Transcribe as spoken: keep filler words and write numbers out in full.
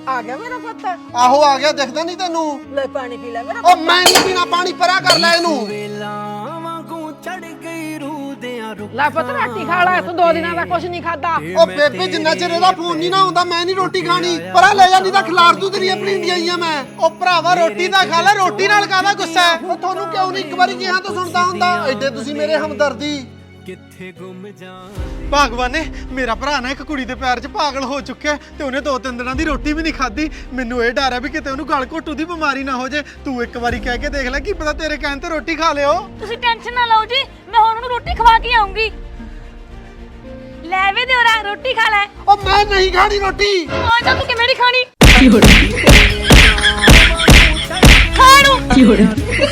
ਆ ਗਿਆ ਮੇਰਾ ਪੁੱਤ। ਆਹੋ ਆ ਗਿਆ, ਦਿਖਦਾ ਨਹੀਂ ਤੈਨੂੰ? ਲੈ ਪਾਣੀ ਪੀ ਲੈ ਮੇਰਾ। ਉਹ ਮੈਂ ਨਹੀਂ ਪੀਣਾ ਪਾਣੀ, ਪਰਾਂ ਕਰ ਲੈ ਇਹਨੂੰ। ਲੈ ਪੁੱਤ ਰੋਟੀ ਖਾ ਲੈ, ਤੂੰ ਦੋ ਦਿਨਾਂ ਦਾ ਕੁਛ ਨਹੀਂ ਖਾਦਾ। ਉਹ ਬੇਬੇ ਜਿੰਨਾ ਚਿਰ ਇਹਦਾ ਫੋਨ ਨਹੀਂ ਨਾ ਆਉਂਦਾ ਮੈਂ ਨਹੀਂ ਰੋਟੀ ਖਾਣੀ। ਪਰਾਂ ਲੈ ਜਾ, ਨਹੀਂ ਤਾਂ ਖਿਲਾਰ ਦੂ ਤੇਰੀ ਆਪਣੀ ਇੰਡੀਆਈਆਂ ਮੈਂ। ਉਹ ਭਰਾਵਾ ਰੋਟੀ ਤਾਂ ਖਾ ਲੈ, ਰੋਟੀ ਨਾਲ ਕਾਹਦਾ ਗੁੱਸਾ ਹੈ? ਉਹ ਤੁਹਾਨੂੰ ਕਿਉਂ ਨਹੀਂ ਇੱਕ ਵਾਰੀ ਕਿਹਾ ਤਾਂ ਸੁਣਦਾ ਹੁੰਦਾ? ਐਡੇ ਤੁਸੀਂ ਮੇਰੇ ਹਮਦਰਦੀ। ਕਿੱਥੇ ਗੁੰਮ ਜਾ ਭਗਵਾਨ ਨੇ ਮੇਰਾ ਭਰਾ ਨਾ ਇੱਕ ਕੁੜੀ ਦੇ ਪੈਰ 'ਚ ਪਾਗਲ ਹੋ ਚੁੱਕਿਆ ਤੇ ਉਹਨੇ ਦੋ ਤਿੰਨ ਦਿਨਾਂ ਦੀ ਰੋਟੀ ਵੀ ਨਹੀਂ ਖਾਧੀ। ਮੈਨੂੰ ਇਹ ਡਰ ਹੈ ਵੀ ਕਿਤੇ ਉਹਨੂੰ ਗਲ ਘੋਟੂ ਦੀ ਬਿਮਾਰੀ ਨਾ ਹੋ ਜੇ। ਤੂੰ ਇੱਕ ਵਾਰੀ ਕਹਿ ਕੇ ਦੇਖ ਲੈ, ਕੀ ਪਤਾ ਤੇਰੇ ਕਹਿਣ ਤੇ ਰੋਟੀ ਖਾ ਲਿਓ। ਤੁਸੀਂ ਟੈਨਸ਼ਨ ਨਾ ਲਓ ਜੀ, ਮੈਂ ਹੁਣ ਉਹਨੂੰ ਰੋਟੀ ਖਵਾ ਕੇ ਆਉਂਗੀ। ਲੈ ਵੇ ਦਿਓਰਾ ਰੋਟੀ ਖਾ ਲੈ। ਉਹ ਮੈਂ ਨਹੀਂ ਖਾਣੀ ਰੋਟੀ। ਆ ਜਾ ਤੂੰ ਕਿਵੇਂ ਨਹੀਂ ਖਾਣੀ? ਖਾਣੂ